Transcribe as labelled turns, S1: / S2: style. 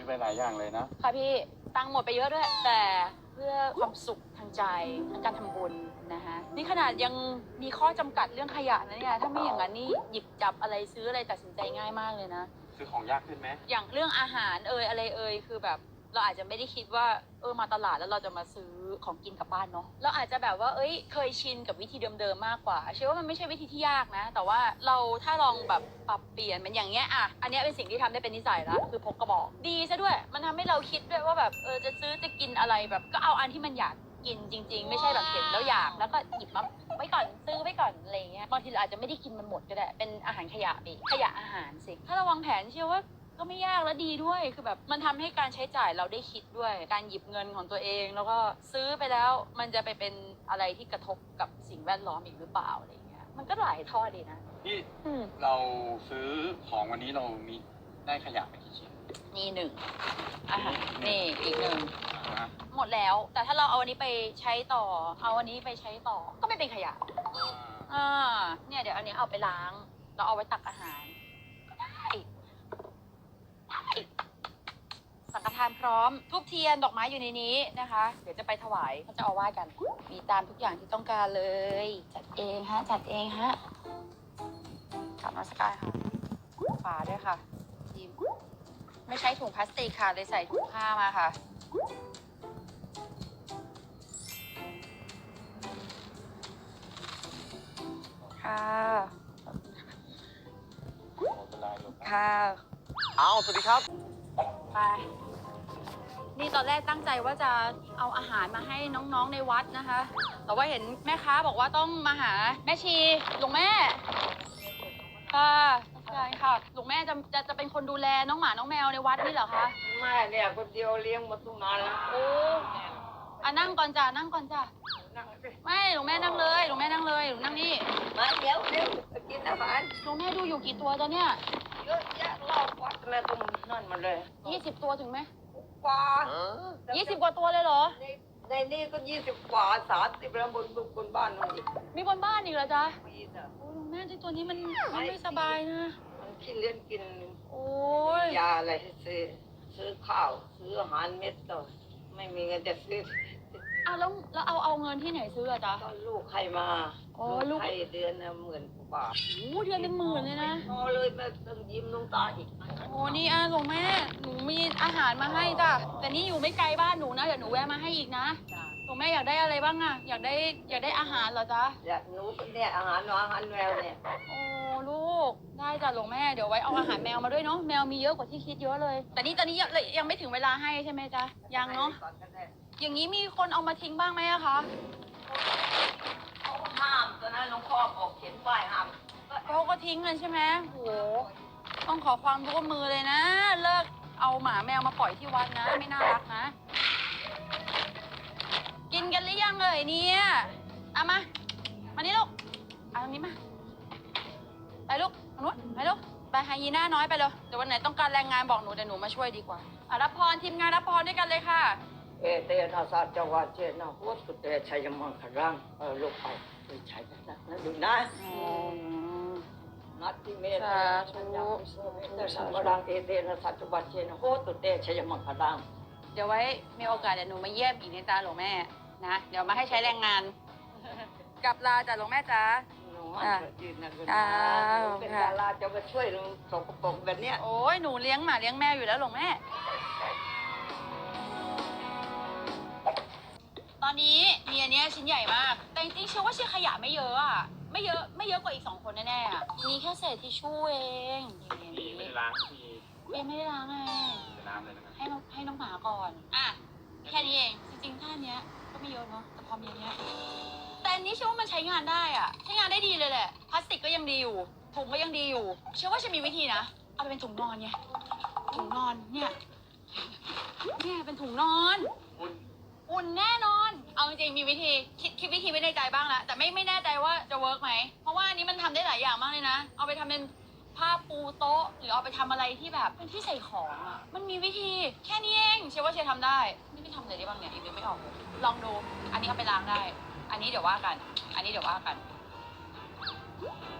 S1: ไปหลายอย่างเลยนะ
S2: ค่ะพี่ตังค์หมดไปเยอะด้วยแต่เพื่อความสุขทางใจทั้งการทำบุญนะคะนี่ขนาดยังมีข้อจำกัดเรื่องขยะนะเนี่ยถ้าไม่อย่างนั้นนี่หยิบจับอะไรซื้ออะไรตัดสินใจง่ายมากเลยนะ
S1: ซื้อของยากขึ้นไหม
S2: อย่างเรื่องอาหารอะไรคือแบบเราอาจจะไม่ได้คิดว่ามาตลาดแล้วเราจะมาซื้อของกินกลับบ้านเนาะเราอาจจะแบบว่าเคยชินกับวิธีเดิมๆมากกว่าเชื่อว่ามันไม่ใช่วิธีที่ยากนะแต่ว่าเราถ้าลองแบบปรับเปลี่ยนมันอย่างเงี้ยอันนี้เป็นสิ่งที่ทำได้เป็นนิสัยแล้วคือพกกระบอกดีซะด้วยมันทำให้เราคิดด้วยว่าแบบจะซื้อจะกินอะไรแบบก็เอาอันที่มันอยากกินจริงๆไม่ใช่แบบเห็นแล้วอยากแล้วก็หยิบมาไว้ก่อนซื้อไว้ก่อนอะไรเงี้ยบางทีเราอาจจะไม่ได้กินมันหมดก็ได้เป็นอาหารขยะไปขยะอาหารสิถ้าเราวางแผนเชื่อว่าก็ไม่ยากและดีด้วยคือแบบมันทำให้การใช้จ่ายเราได้คิดด้วยการหยิบเงินของตัวเองแล้วก็ซื้อไปแล้วมันจะไปเป็นอะไรที่กระทบกับสิ่งแวดล้อมอีกหรือเปล่าอะไรเงี้ยมันก็หลายทอดดีนะ
S1: พี่เราซื้อของวันนี้เรามีได้ขยะไปกี่ชิ้น
S2: นี่หนึ่งนี่อีกหนึ่งหมดแล้วแต่ถ้าเราเอาอันนี้ไปใช้ต่อเอาอันนี้ไปใช้ต่อก็ไม่เป็นขยะเนี่ยเดี๋ยวอันนี้เอาไปล้างเราเอาไว้ตักอาหารสังฆทานพร้อมทูบเทียนดอกไม้อยู่ในนี้นะคะเดี๋ยวจะไปถวายพระเจ้าอาวาสกันมีตามทุกอย่างที่ต้องการเลยจัดเองฮะกราบนมัสการค่ะฝาด้วยค่ะทีมไม่ใช้ถุงพลาสติกค่ะเลยใส่ถุงผ้ามาค่ะค่ะ
S3: สวัสดีครับ
S2: ไปนี่ตอนแรกตั้งใจว่าจะเอาอาหารมาให้น้องๆในวัดนะคะแต่ว่าเห็นแม่ค้าบอกว่าต้องมาหาแม่ชีหลวงแม่ค่ะใช่ค่ะหลวงแม่จะเป็นคนดูแลน้องหมาน้องแมวในวัดนี่เหรอคะ
S4: ไม่เนี่ยคนเดียวเลี้ยงมาตั้งนานแล้ว
S2: โอ้นั่งก่อนจ้ะนั่งสิไม่หลวงแม่นั่งเลยหลวงนั่งนี่
S4: มาเดี๋ยวกินอาหาร
S2: หลวงแม่ดูอยู่กี่ตัวตอนเนี้ย
S4: เยอะแยะรอบวัดแม่ต้องนั่นมาเลย
S2: 20 ตัวถึงไหม
S4: กว่า
S2: 20 กว่าตัวเลยเหรอ
S4: ในนี่ก็20 กว่า30แล้วบนบ้านนู่นอีก
S2: มีบนบ้านอีกเหรอจ๊ะ
S4: มีจ้ะ
S2: โอ้หลวงแม่ที่ตัวนี้มันไม่สบายนะ
S4: มันกินเลี้ยงกิน
S2: โอ้ย
S4: ยาอะไรให้ซื้อข้าวซื้ออาหารเม็ดต่อไม่มีเงินจะซื้อ
S2: แล้วเอาเงินที่ไหนซื้ออะจ๊ะ
S4: ก็ลูกใครมาลูกใครเดือนละ10,000 กว่าบาท
S2: โอ้เดือนเป็น10,000เลยนะ
S4: พอเลยแม่ต้องยิ้มน้ำตาอีก
S2: โอ้นี่หลวงแม่หนูมีอาหารมาให้จ้ะแต่นี่อยู่ไม่ไกลบ้านหนูนะเดี๋ยวหนูแวะมาให้อีกนะหลวงแม่อยากได้อะไรบ้างอะอยากได้อาหารเหรอจ๊ะ
S4: อยากหนูเนี่ยอาหารแมวเนี่ย
S2: โอ้ลูกได้จ้ะหลวงแม่เดี๋ยวไว้เอาอาหารแมวมาด้วยเนาะแมวมีเยอะกว่าที่คิดเยอะเลยแต่นี่ตอนนี้ยังไม่ถึงเวลาให้ใช่ไหมจ๊ะยังเนาะอย่างนี้มีคนเอามาทิ้งบ้างไหมอะคะ
S4: เขาห้ามตอนนั้นหลวงพ่อบอกเขียนป้ายห้าม
S2: เขาก็ทิ้งกันใช่ไหมโหต้องขอความร่วมมือเลยนะเลิกเอาหมาแมวมาปล่อยที่วัดนะไม่น่ารักนะกินกันหรือยังเนี่ยเอามานี่ลูกเอาตรงนี้มาไปลูกทางนู้นไปลูกไปไฮยีน่าน้อยไปเลยเดี๋ยววันไหนต้องการแรงงานบอกหนูเดี๋ยวหนูมาช่วยดีกว่ารับพรทีมงานรับพรด้วยกันเลยค่ะ
S4: เอเตนะสัจวาเจนะพุทธเตชัยมังคลังลูกเอาไปใช้กันนะดูนะนัตติเมตตาสัญญาแต่สังวรังเอเตนะสัจวาเจนะพุทธเตชัยมังคลัง
S2: เดี๋ยวไว้มีโอกาสเดี๋ยวหนูมาเยี่ยมอีกในตาหลวงแม่นะเดี๋ยวมาให้ใช้แรงงานกลับลาจากหลวงแม่จ้า
S4: ยืนนะคุณนะเป็นดาราจะมาช่วยลุงสกปรกแบบเนี้ย
S2: โอ้ยหนูเลี้ยงหมาเลี้ยงแมวอยู่แล้วหลวงแม่ตอนนี้มีอันนี้ชิ้นใหญ่มากแต่จริงๆเชื่อว่าขยะไม่เยอะอ่ะไม่เยอะกว่าอีก2 คนแน่ๆอ่ะมีแค่เศษทิชชู่เอง
S1: พี่ไม่ได้ล้างพี่
S2: ไม่ได้ล้างไง
S1: น้ำเลยนะครับ
S2: ให้น้องหมาก่อนแค่นี้เองจริงๆถ้าอันเนี้ยก็ไม่เยอะเนาะแต่พอมีอันเนี้ยแต่อันนี้เชื่อว่ามันใช้งานได้อ่ะใช้งานได้ดีเลยแหละพลาสติกก็ยังดีอยู่ถุงก็ยังดีอยู่เชื่อว่าจะมีวิธีนะเอาไปเป็นถุงนอนไงถุงนอนเนี่ยเป็นถุงนอนอุ่นแน่นอนเอาจริงๆมีวิธีคิดวิธีไว้ในใจบ้างแล้วแต่ไม่แน่ใจว่าจะเวิร์กไหมเพราะว่าอันนี้มันทำได้หลายอย่างมากเลยนะเอาไปทำเป็นผ้าปูโต๊ะหรือเอาไปทำอะไรที่แบบเป็นที่ใส่ของอ่ะมันมีวิธีแค่นี้เองเชื่อว่าทำได้นี่ไม่ทำอะไรได้บ้างเนี่ยอีกไม่ออกลองดูอันนี้เอาไปล้างได้อันนี้เดี๋ยวว่ากัน